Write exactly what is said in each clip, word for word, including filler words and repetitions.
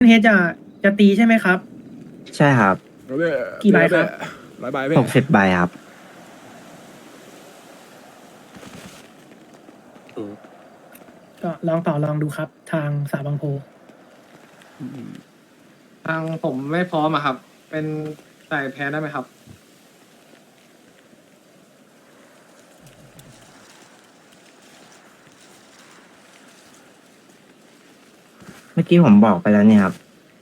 เฮดจะจะตีใช่ไหมครับใช่ครับกี่ใบครับร้อยใบหกสิบใบครับก็ลองต่อลองดูครับ ทางสาบางโพทางผมไม่พร้อมอะครับ เป็นใส่แพ้ได้ไหมครับเมื่อกี้ผมบอกไปแล้วเนี่ยครับ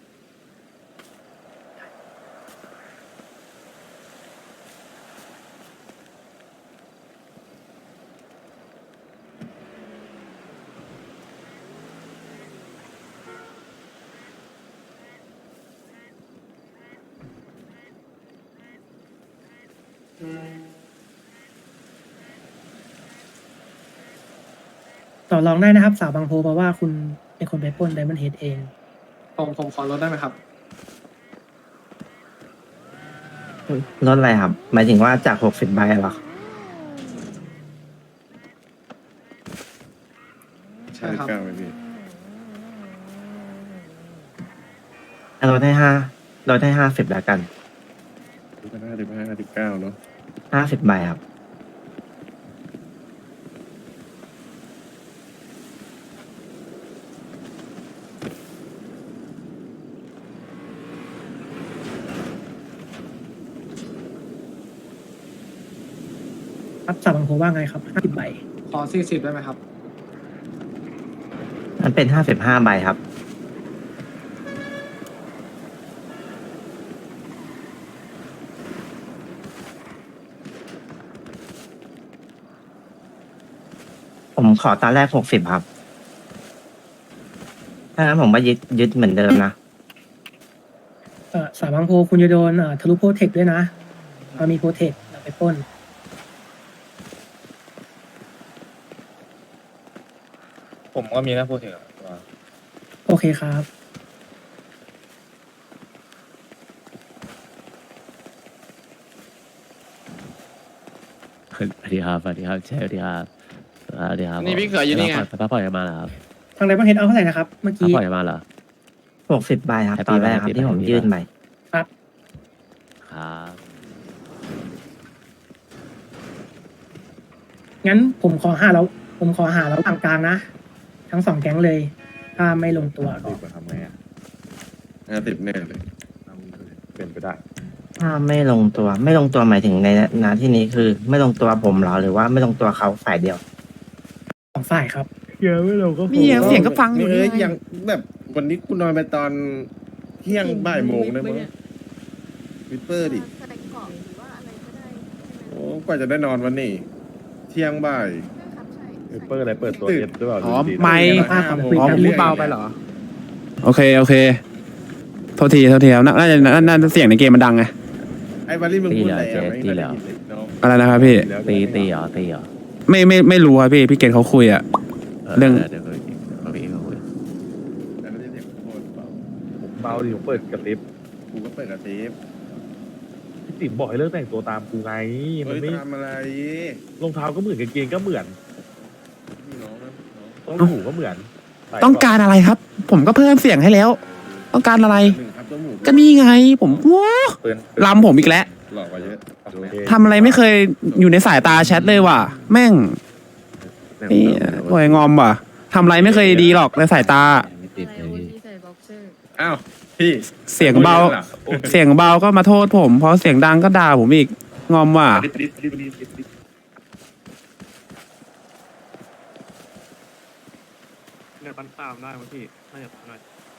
ต่อรองได้นะครับ สาบางโพเพราะว่าคุณเป็นคนไปปล้นไดมอนด์เฮดเองผมผมขอลดได้ไหมครับลดอะไรครับ หมายถึงว่าจากหกสิบใบเหรอใช่ครับเก้าไหมพี่ลดให้ห้าลดให้ห้าสิบแล้วกันห้าสิบห้าสิบเก้าเนาะห้าสิบใบครับครับสาบางโพว่าไงครับห้าสิบใบขอสี่สิบได้ไหมครับมันเป็นห้าสิบห้าใบครับ ผมขอตอนแรกหกสิบครับ ถ้างั้นผมว่ายึดยึดเหมือนเดิมนะเอ่อสาบางโพคุณจะโดนเอ่อทะลุโปรเทคด้วยนะเรามีโปรเทคเราไปปล้นผมก็มีนะพูดถึงโอเคครับสวัสดีครับสวัสดีครับเชฟสวัสดีครับสวัสดีครับนี่พี่เขยอยู่นี่ไงพักผ่อนกันมาเหรอครับทางไดมอนด์เฮดเอาเท่าไหร่นะครับ เมื่อพักกี้ผ่อนกันมาเหรอหกสิบใบครับ Happy ตอนแรกครับ Happy ที่ผม Happy ยื่นไปครับครับงั้นผมขอหาแล้ว ผมขอหาแล้วทางกลางนะ ทั้งสองแก๊งเลย ถ้าไม่ลงตัวก็ทำไงอ่ะห้าสิบแน่เลย เป็นไปได้ถ้าไม่ลงตัว ไม่ลงตัวหมายถึงในนาที่นี้คือ ไม่ลงตัวผมเหรอ หรือว่าไม่ลงตัวเขาฝ่ายเดียวสองฝ่ายครับนี่ยังเสียงก็ฟังอยู่เอ้นี่ยไงยังแบบวันนี้คุณนอนไปตอนเที่ยงบ่ายโมงได้มั้งวิปเปอร์ดิใส่เกาะหรือว่าอะไรก็ได้ใช่ไหมโอ้กว่าจะได้นอนวันนี้ เที่ยงบ่ายครับใช่วิปเปอร์อะไรเปิดตัวเอฟด้วยเปล่าอ๋อไม่ภาพของคุยอ๋อกันพูดเบาไปเหรอ โอเค โอเค โทษทีโทษทีครับน่าน่าจะน่าน่าจะเสียงในเกมมันดังไงไอ้วารี่มึงพูดอะไรตีเหรออ่ะเจ๊ไม่ได้ยินเลยเนาะอะไรนะครับพี่ตีตีเหรอตีเหรอไม่ไม่ไม่รู้ครับพี่ พี่เกณฑ์เขาคุยอะ เรื่องเดี๋ยวคุยเขาคุยเขาคุยแต่ไม่ได้เสียงโคตรเบาเบาดิผมเปิดกระติบกูก็เปิดกระเทปพี่ติ๋มบอกให้เลิกแต่งตัวตามกูไง มัเฮ้นยไม่ทำอะไรรองเท้าก็เหมือนกางเกงก็เหมือนพี่น้องนะน้องต้องหูก็เหมือนใส่ต้องการอะไรครับ ผมก็เพิ่มเสียงให้แล้ว ต้องการอะไรหนึ่งครับตัวหมูก็นี่ไง ผมว้าเปิดลำผมอีกแล้วหลอกกว่าเยอะโอเคทำอะไรไม่เคยอยู่ในสายตาแชทเลยว่ะ แม่งนี่โวยงอมว่ะทำอะไรไม่เคยดีหรอกในสายตาไม่ติดเลยพี่ใส่บ็อกเซอร์อ้าวพี่เสียงเบา เสียงเบาก็มาโทษผมเพราะเสียงดังก็ด่าผมอีก งอมว่ะดิบดิบดิบดิบดิบดิบเนี่ยปันตามได้ไหมพี่น่าจะได้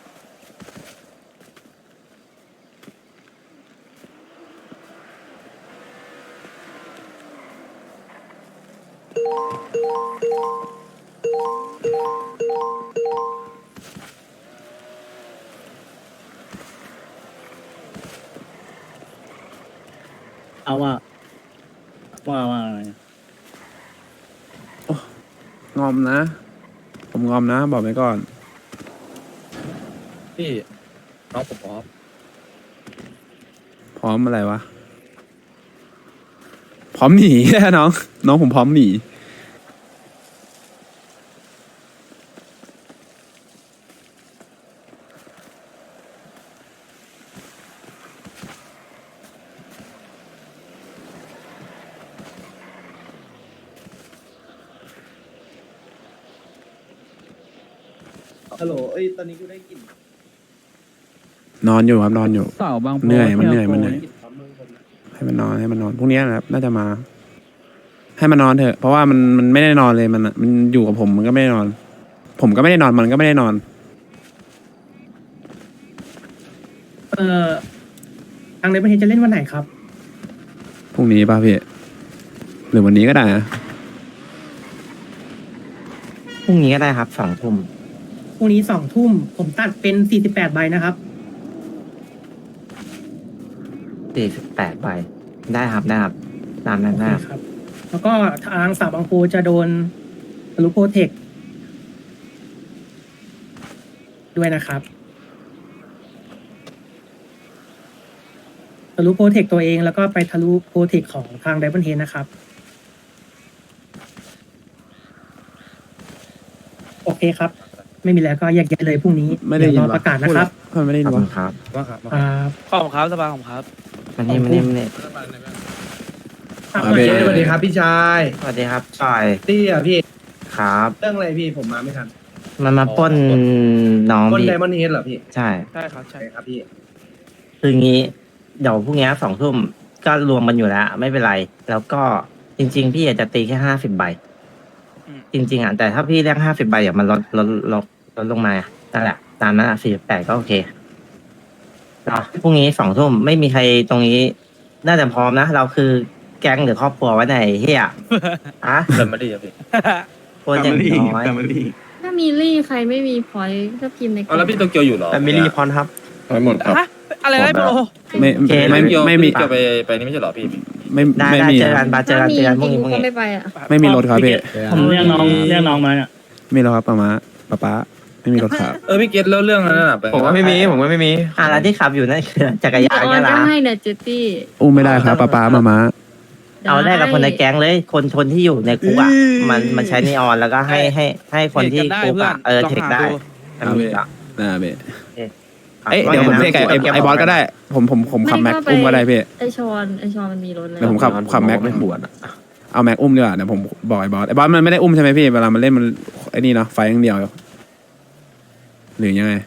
เอาว่าว่าว่างอมนะ ผมงอมนะ บอกไว้ก่อนพี่น้องผมพร้อมพร้อมอะไรวะ พร้อมหนี น้อง น้องผมพร้อมหนีฮัลโหลเอ้ยตอนนี้กูได้กลิ่นนอนอยู่ครับนอนอยู่เสาบางโพเหนื่อยมันเหนื่อยที่มันเหนื่อย ให้มันนอนให้มันนอนพรุ่งนี้นะครับ น่าจะมา ให้มันนอนเถอะ เพราะว่ามันมันไม่ได้นอนเลยมันอะมันอยู่กับผมมันก็ไม่ได้นอน ผมก็ไม่ได้นอนมันก็ไม่ได้นอนเอ่อทางในประเทศจะเล่นวันไหนครับพรุ่งนี้ป่ะพี่หรือวันนี้ก็ได้นะพรุ่งนี้ก็ได้ครับสองทุ่มพรุ่งนี้สองทุ่มผมตัดเป็นสี่สิบแปดใบนะครับสี่สิบแปดใบได้ครับได้ครับตามนั้นโอได้เคครับครับ แล้วก็ทางสาวบางโพจะโดนทะลุโปรเทคด้วยนะครับทะลุโปรเทคตัวเองแล้วก็ไปทะลุโปรเทคของทางไดมอนเฮดนะครับ โอเคครับ ไม่มีแล้วก็แยกย้ายเลยพรุ่งนี้ไม่ได้ยินเยวรอวประกาศนะครับพูดไม่ได้ยิขนอบคุวะณครับว่าครับครับขอบคุณครับสบายของครับมันนี่มันนี่มันนี่ครับอ่าเบสวัสดีครับพี่ชายสวัสดีครับจอยตี้อ่ะพี่ครับเรื่องอะไรพี่ผมมาไม่ทันมันมาปล้นน้องคนพี่ไดมอนด์เฮดเหรอพี่ใช่ใช่ครับใช่ใช่ครับพี่คืองี้เดี๋ยวพรุ่งนี้สองทุ่มก็รวมกันอยู่แล้ว ไม่เป็นไร แล้วก็จริง ๆ พี่อยากจะตีแค่ห้าสิบใบ จริง ๆอ่ะแต่ถ้าพี่เรียกห้าสิบใบอย่างมันลดลดลดลดลงมานั่นแหละตามนั้นอ่ะสี่สิบแปดก็โอเคเนาะพรุ่งนี้สองทุ่มไม่มีใครตรงนี้ น่าจะพร้อมนะ เราคือแก๊งหรือครอบครัวไว้ไหนเฮียอะเดินมาดีครับพี่โคตรอย่างน้อยถ้ามีลี่ใครไม่มีพอยต์ก็พิมพ์ในกเอาลุ่แล้วมพี่โตเกียวอยู่เหรอแต่มิลีพรครับไปหมดครับอะไรนะโปรไม่โอเคไม่เกียวไม่มีเกียวไปไปนี่ไม่ใช่เหรอพี่ไม่ได้ไม่ได้มีเจอกันบาเจอถ้ากันมีเจอกันพจรุ่งรินี้งพรุ่งก็นี้ไม่ไปอ่ะไม่มีรถครับพี่ผมเรียกน้องเรียกน้องมาไม่รถครับป้ามาป้าป้าไม่มีรถครับเออพี่เกตแล้วเรื่องนั้นน่ะไปผมว่าไม่มีผมว่าไม่มีอ่ะแล้วที่ขับอยู่นั่นคือจักรยานออเนี่นยก็นะให้เนี่ยเจตตี้อุ้มไม่ได้ครับป้าป้ามามาเอาได้กับคนในแก๊งเลย คนคนที่อยู่ในคุกอ่ะมันมันใช้นีออนแล้วก็ให้ให้ให้คนที่คุกอ่ะเออเทคได้อันนี้อ่ะน่าเบะครับเอ้ยเดี๋ยวผมว่าเรียกไอ้ไงนะไอ้บอสก็ได้ ผมผมผมขับแม็กอุ้มก็ได้พี่ไอชอนไอชอนมันมีรถแล้วเดี๋ยวผมขับขับแม็กไม่ปวดเอาแม็กอุ้มดีกว่าเดี๋ยวผมบอกไอ้บอสไอ้บอสมันไม่ได้อุ้มใช่ไหมพี่เวลามันเล่นมันไอ้นี่เนาะไฟอย่างเดียวหรือยังไง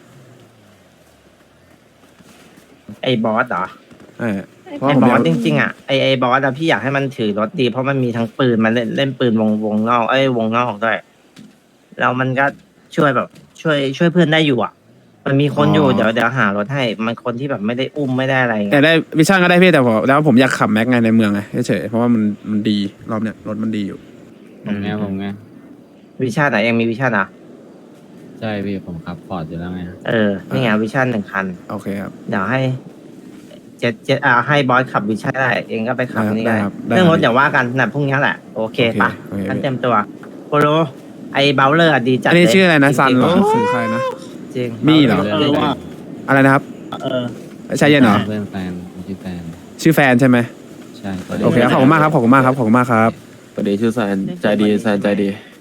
ไอ้บอสเหรอเออ เพราะไอ้ผมบออยาสกจริงๆอ่ะไอ้ไอ้บอสอะพี่อยากให้มันถือรถดีเพราะมันมีทั้งปืนมันเล่นเล่นปืนวงวงนอกเอ้ยวงนอกด้วยแล้วมันก็ช่วยแบบ ช่วยช่วยเพื่อนได้อยู่อ่ะ มันมีคนอยู่เดี๋ยวเดี๋ยวหารถให้มันคนที่แบบไม่ได้อุ้มไม่ได้อะไรแต่เงี้ยได้วิชั่นก็ได้พี่แต่ผมแล้วผมอยากขับแม็กไงในเมืองไงเฉยๆเพราะว่ามันมันดีรอบเนี้ยรถมันดีอยู่ผมไงผมไงวิชั่นอะยังมีวิชั่นอ่ะใช่พี่ผมขับพอร์ตอยู่แล้วไงเออนี่ไงวิชั่นหนึ่งคันโอเคครับเดี๋ยวให้เจ็ดเจ็ดอ่าให้บอสขับวิชั่นได้เองก็ไปขับได้ครับนี่ได้ได้ครับได้เรื่องรถครับอย่าว่ากันนะพรุ่งนี้แหละโอเคโอเคปะโอเคงั้นเต็มตัวโปโลไอ้เบลเลอร์อะดีจัดอันนี้เลยชื่ออะไรนะจงๆซันเหรอโยคือใครนะจริงมี่เหรอเออว่าอะไรนะครับใช่เย็นเหรอเพื่อนแฟนผมชื่อแฟนชื่อแฟนใช่ไหมใช่โอเคครับขอบคุณมากครับขอบคุณมากครับขอบคุณมากครับสวัสดีชื่อแซนใจดีแซนใจดี